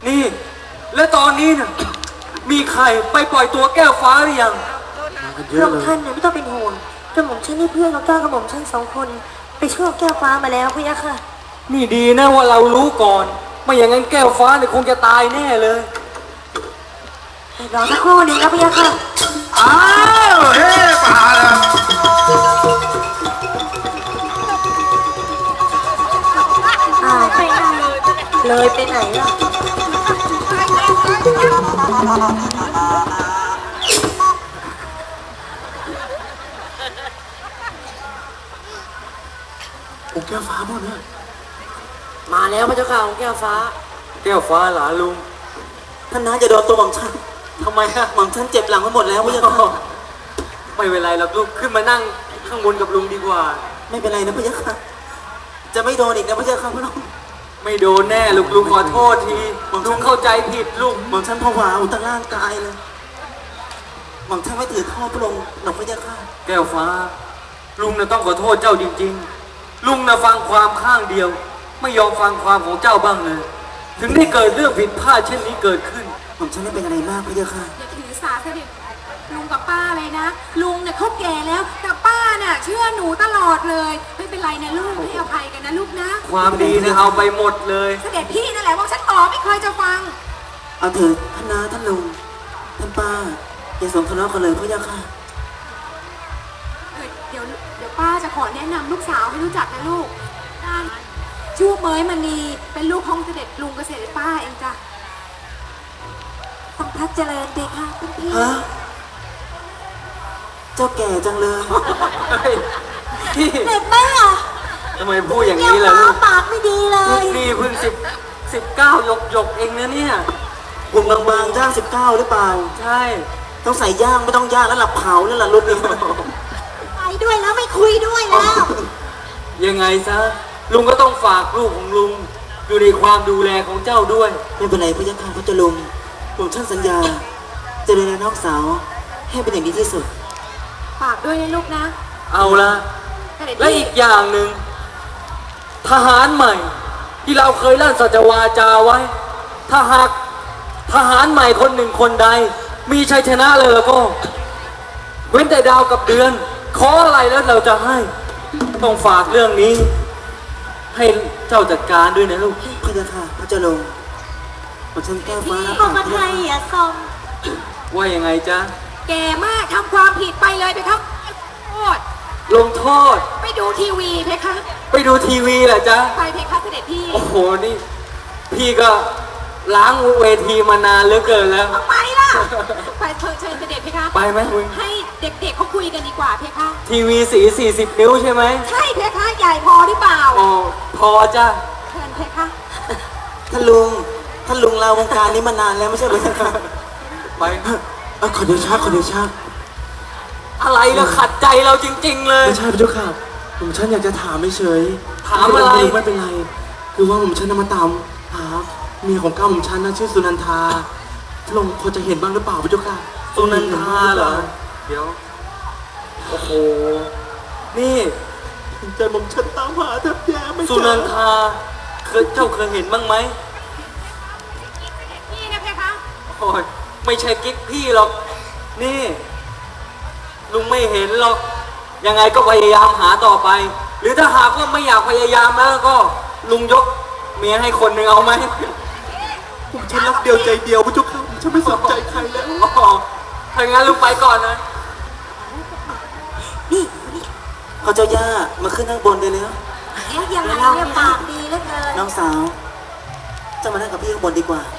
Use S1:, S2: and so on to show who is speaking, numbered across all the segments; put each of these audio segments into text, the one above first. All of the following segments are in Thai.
S1: นี่และตอนนี้เนี่ยมีใครไปปล่อยตัวแก้วฟ้าหรือยัง
S2: พระองค์ท่านเนี่ยไม่ต้องเป็นห่วงกระหม่อมฉันนี่เพื่อนของเจ้ากระหม่อมฉัน2 คนไปช่วยแก้วฟ้ามาแล้วพี่ยะค่ะ
S1: นี่ดีนะว่าเรารู้ก่อนไม่อย่างนั้นแก้วฟ้าเนี่ยคงจะตายแน่เลย
S2: รอสักครู่หนึ่งนะพี่ยะค่ะ
S3: อ้าวเฮ้ป่าแล้ว
S2: ไปไหนเลยไปไหนล่ะ
S3: องค์แก้วฟ้าหมดเลย
S4: มาแล้วพระเจ้าค่ะองค์แก้วฟ้า
S1: แก้วฟ้าหลานลุง
S4: ท่านน้าจะโดนตัวหม่อมฉัน
S1: ทำไมฮะ
S4: หม่อมฉันเจ็บหลังไปหมดแล้วพระเจ้าค่ะ
S1: ไม่เป็นไรหรอกลูกขึ้นมานั่งข้างบนกับลุงดีกว่า
S4: ไม่เป็นไรนะพระเจ้าค่ะจะไม่โดนอีกนะพระเจ้าค่ะพระน้อง
S1: ไม่โดนแน่ลูกลุงขอโทษทีลุงเข้าใจผิดลูก
S4: หม่อมฉันผวาอุตร่างกายเลยหม่อมฉันไม่ถือท่อพระองค์หรอกพระเจ้าค่ะ
S1: แก้วฟ้าลุงน่ะต้องขอโทษเจ้าจริงๆลุงน่ะฟังความข้างเดียวไม่ยอมฟังความของเจ้าบ้างเลยถึงได้เกิดเรื่องผิดพลาดเช่นนี้เกิดขึ้น
S4: หม่อมฉันไม่เป็นอะไรมากพระเจ้าค่ะ
S5: อย่าถือสาเสด็จลุงกับป้าเลยนะลุงเนี่ยเขาแก่แล้วแต่ป้าน่ะเชื่อหนูตลอดเลยไม่เป็นไรนะลูกให้อภัยกันนะลูกนะ
S1: ความดีเนี่ยเอาไปหมดเลย
S5: เสด็จพี่นั่นแหละว่าฉันบอกไม่เคยจะฟัง
S4: เอาเถิดท่านน้าท่านลุงท่านป้าอย่าสมทะเลาะกันเลยพระเจ้าค่ะ
S5: เดี๋ยวป้าจะขอแนะนำลูกสาวให้รู้จักนะลูกชื่อเมยมณีเป็นลูกของเสด็จลุงกับเสด็จป้าเองจ้ะ
S2: ทรงพระเจริญเด็กค่ะคุณพี่
S4: ฮะเจ้าแก่จังเลย
S2: เด็กแม่
S1: ทำไมพูดอย่างนี้ล่ะลูก
S2: ปากไม่ดีเลย
S1: นี่เพิ่ง19หยกเองนะเนี่ย
S4: หุ่นบางๆย่าง19หรือเปล่า
S1: ใช่
S4: ต้องใส่ย่างไม่ต้องย่างแล้วหลับเผาแล้วล่ะรุ่นนี้
S2: ไปด้วยแล้วไม่คุยด้วยแล้ว
S1: ยังไงซะลุงก็ต้องฝากลูกของลุงอยู่ในความดูแลของเจ้าด้วย
S4: ไม่เป็นไรพระยาค่ะพระเจ้าลุงผมช่างสัญญาจะดูแลน้องสาวให้เป็นอย่างดีที่สุด
S5: ฝากด้วยนะลูกนะ
S1: เอาละและอีกอย่างหนึ่งทหารใหม่ที่เราเคยลั่นสัจวาจาไว้ถ้าหากทหารใหม่คนหนึ่งคนใดมีชัยชนะเลยแล้วก็เว้นแต่ดาวกับเดือนขออะไรแล้วเราจะให้ต้องฝากเรื่องนี้ให้เจ้าจัดการด้วยนะลูก
S4: พระยาค่ะพระเจ้าลุงผมฉันแก้ฟ้า
S2: พี่ของไทยอ่ะซอม
S1: ว่ายังไงจ๊ะ
S5: แก่มากทำความผิดไปเลยไปครับโทษ
S1: ลงโทษ
S5: ไปดูทีวีเพคะ
S1: ไปดูทีวีเหรอจ๊ะ
S5: ไปเพคะเสด็จพี่
S1: โอ้โหนี่พี่ก็ล้างเวทีมานานเหลือเกินแล้ว
S5: ไปล่ะไปเชิญเสด็จเพคะ
S1: ไปไหมคุณ
S5: ให้เด็กๆเขาคุยกันดีกว่าเพคะ
S1: ทีวีสี40 นิ้วใช่ไหม
S5: ใช่เพคะใหญ่พอหรือเปล่า
S1: โอ้พอจ้ะ
S5: เชิญเพคะ
S4: ท่านลุงลาวงการนี้มานานแล้วไม่ใช่ไหมครับ
S1: ไป
S4: ขอเดชะ
S1: อะไรล่ะขัดใจเราจริงๆเลย
S4: ไม่ใช่พระเจ้าค่ะผมฉันอยากจะถามไม่เฉย
S1: ถามอะไร
S4: ไม่เป็นไรคือว่าผมฉันมาตามหาเมียของก้าวผมฉันนะชื่อสุนันทาพระองค์พอจะเห็นบ้างหรือเปล่าพระเจ้าค่ะ
S1: สุนันทาเหรอเดี๋ยวโอ้โหนี่
S4: ใจผมฉันตามหาแทบแย่ไม่เจอ
S1: สุนันทาเจ้าเคยเห็นบ้างไหม
S5: พี่นะเพคะ
S1: โอ้ยไม่ใช่กิ๊กพี่หรอกนี่ลุงไม่เห็นหรอกยังไงก็พยายามหาต่อไปหรือถ้าหากว่าไม่อยากพยายามแล้วก็ลุงยกเมียให้คนหนึ่งเอาไหม
S4: ผมฉันรักเดียวใจเดียวพระเจ้าค่ะฉันไม่สนใจใครแล้ว
S1: ถ้างั้นลุงไปก่อนนะ
S2: นี่
S4: เขาเจ้าย่ามาขึ้นนั่งบนได้แล้ว
S2: ยังไงเนี่ยปากดีเหลือเกิน
S4: น้องสาวจะมานั่งกับพี่ข้างบนดีกว่า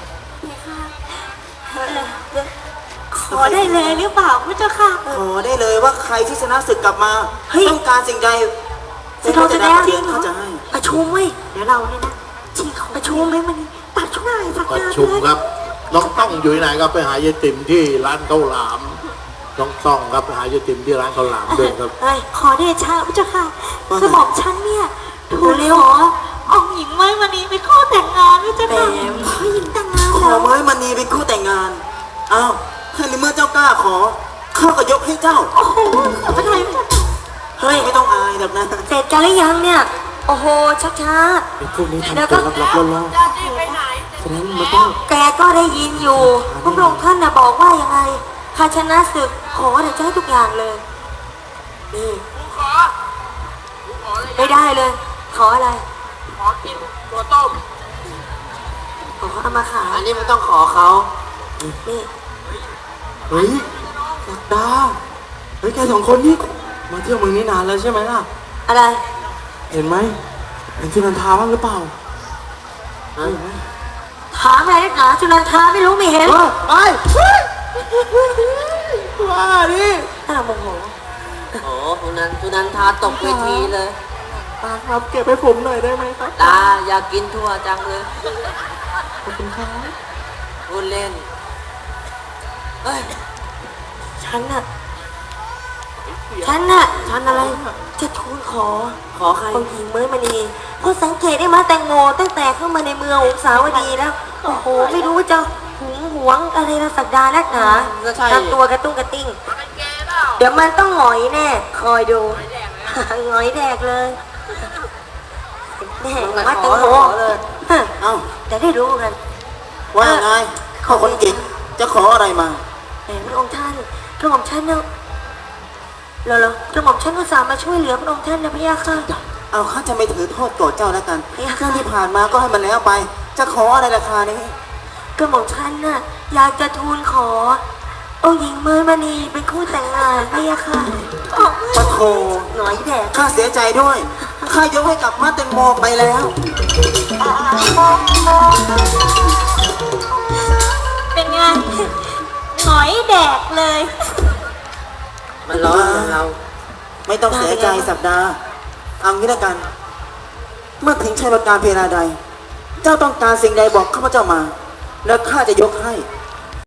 S2: ขอได้เลยหรือเปล่าพระเจ้าค่ะ
S4: ขอได้เลยว่าใครที่ชนะศึกกลับมาต้องการสิ่งใด
S2: เราจะได้จริง
S4: เขาจะให้
S2: ประชุมเว้ยเดี๋ยวเราเนี่ยนะประชุมไหมมันตัดช่วย
S3: ประชุมครับน้องต้องอยู่ไหนครับไปหายายติ๋มที่ร้านข้าวหลามน้องต้องครับไปหายายติ๋มที่ร้านข้าวหลามด้วยครับ
S2: ขอเดชะพระเจ้าค่ะกระบอกฉันเนี่ยถูกขอเอาหญิงไม้มณีเป็นคู่แต่งงานพระเจ้าค่ะขอหญิงแต่งงาน
S4: ขอไม้มณีเป็นคู่แต่งงานอ้าวถ้าในเมื่อเจ้ากล้าขอข้าก็ยกให้เจ้า
S2: โอ้โหขอโทษ
S4: เฮ้ยไม่ต้องอายหรอกนะ
S2: เสร็จกันหรือยังเนี่ยโอ้โหช้า
S4: พวกนี้ทำตัวลับๆล่อๆฉะนั้นมันต้อง
S2: แกก็ได้ยินอยู่พระองค์ท่านน่ะบอกว่ายังไงข้าชนะศึกขอเดี๋ยวจะให้ทุกอย่างเลยนี่ไม่ได้เลย ขออะไร
S6: ขอกินตัวต้ม
S2: ขอเอามาขาย
S6: อันนี้มันต้องขอเขา
S2: นี่
S4: เฮ้ยศักดาเฮ้ยแกสองคนนี่มาเที่ยวเมืองนี้นานแล้วใช่ไหมล่ะ
S2: อะไร
S4: เห็นไหมเห็นสุนันทาบ้างหรือเปล่า
S2: ถามอะไรนักหนาจุลันทาไม่รู้ไม่เห็น
S4: ไปว่าดิ
S2: ถ้าเราโมโห
S6: โอ้สุนันทาตกเวทีเลย
S4: ตาครับเก็บให้ผมหน่อยได้ไหมครับ
S6: ตาอยากกินทั่วจังเลย
S4: ขอบคุณครับ
S6: พูดเล่นเฮ้ย
S2: ฉันน่ะฉันอะไร จะทูลขอ
S6: ขอใคร
S2: องค์หญิงเมื่อมณีเพราะสังเกตได้มาแตงโมตั้งแต่เข้ามาในเมืององสาวดีแล้ว โอ้โห ไม่รู้ว่าจะหึงหวงอะไรเราสักดานักหนา
S6: ก็ใช่
S2: ทำตัวกระตุ้งกระติ้ง เดี๋ยวมันต้องหงอยแน่ คอยดู หงอยแดกเลยแน่มาแตงโมฮะ
S6: เอ้า
S2: จะได้รู้กัน
S6: ว่าไงข้าคนเก่งจะขออะไรมา
S2: แหมพระองค์ท่านกระหม่อมท่านเนาะเหรอกระหม่อมท่านอุตส่าห์มาช่วยเหลือพระองค์ท่านนะพี่ยาค่ะ
S6: เอาข้าจะไม่ถือโทษโกรธเจ้าแล้วกัน
S2: เฮ้ย
S6: เรื่องที่ผ่านมาก็ให้มันแล้วไป จะขออะไรราคานี้
S2: กระหม่อมท่านน่ะอยากจะทูลขอองค์หญิงเมยมณีเป็นคู่แต่งงานพี่ยาค่ะ
S6: ปะโถ
S2: หน่อยแดก
S6: ข้าเสียใจด้วย ข้ายกให้กับมาแตงโมไปแล้ว
S2: เป็นไงหงอยแดกเลย
S6: มันร้อนเรา ไม่ต้องเสียใจสัปดาห์เอางี้แล้วกัน เมื่อถึงชัยประการเพลาใด เจ้าต้องการสิ่งใดบอกข้าพเจ้ามา แล้วข้าจะยกให้